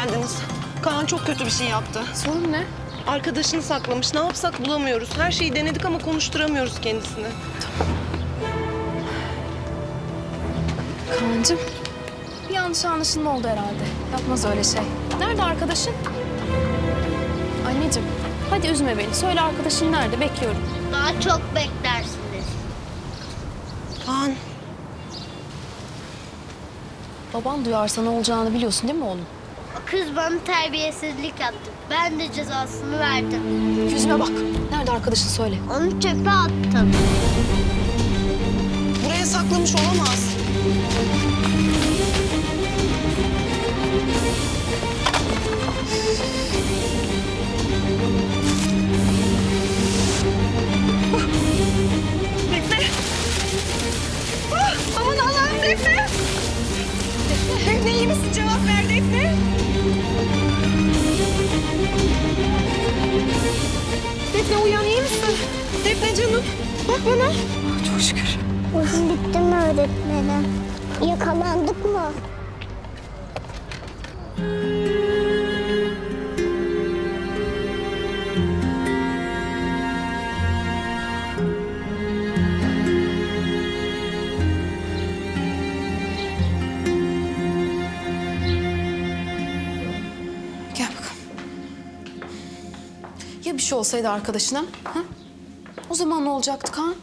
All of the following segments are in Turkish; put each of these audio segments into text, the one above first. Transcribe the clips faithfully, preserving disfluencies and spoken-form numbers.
geldiniz. Kaan çok kötü bir şey yaptı. Sorun ne? Arkadaşını saklamış. Ne yapsak bulamıyoruz. Her şeyi denedik ama konuşturamıyoruz kendisini. Kaan'cığım, bir yanlış anlaşılma oldu herhalde. Yapmaz öyle şey. Nerede arkadaşın? Anneciğim, hadi üzme beni. Söyle arkadaşın nerede? Bekliyorum. Daha çok beklersiniz. Kaan, Baban duyarsa ne olacağını biliyorsun değil mi oğlum? O kız bana terbiyesizlik yaptı. Ben de cezasını verdim. Yüzüme bak. Nerede arkadaşın söyle. Onu çöpe attım. buraya saklamış olamaz. Defne! Ah, aman Allah'ım Defne! Defne iyi misin? Cevap ver Defne! Defne uyan, iyi misin? Defne canım, bak bana. Çok şükür. Bugün bitti mi öğretmenim? Yakalandık mı? Gel bakalım. Ya bir şey olsaydı arkadaşına? Ha? O zaman ne olacaktı Kaan?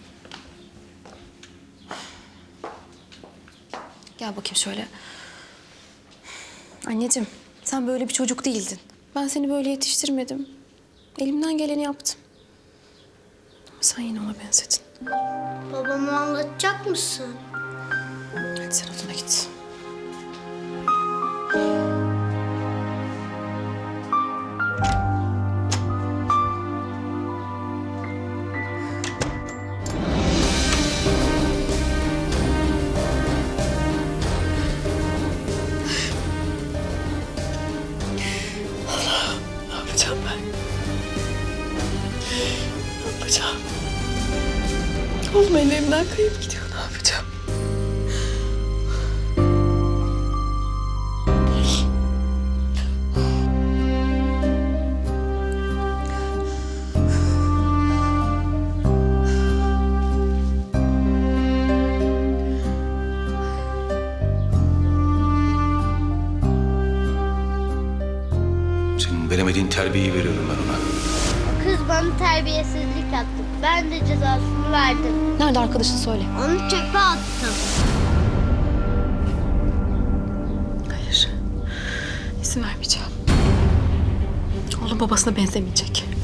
Gel bakayım şöyle. Anneciğim, sen böyle bir çocuk değildin. Ben seni böyle yetiştirmedim. Elimden geleni yaptım. Ama sen yine ona benzedin. Babama anlatacak mısın? Hadi sen odana git. Ne yapacağım ben? Ne yapacağım? Oğlum ellerimden kayıp gidiyor. Ne yapacağım? Senin veremediğin terbiyeyi veriyorum ben ona. O kız bana terbiyesizlik yaptı. Ben de cezasını verdim. Nerede arkadaşın söyle. Onu çöpe attım. Hayır. İzin vermeyeceğim. Oğlum babasına benzemeyecek.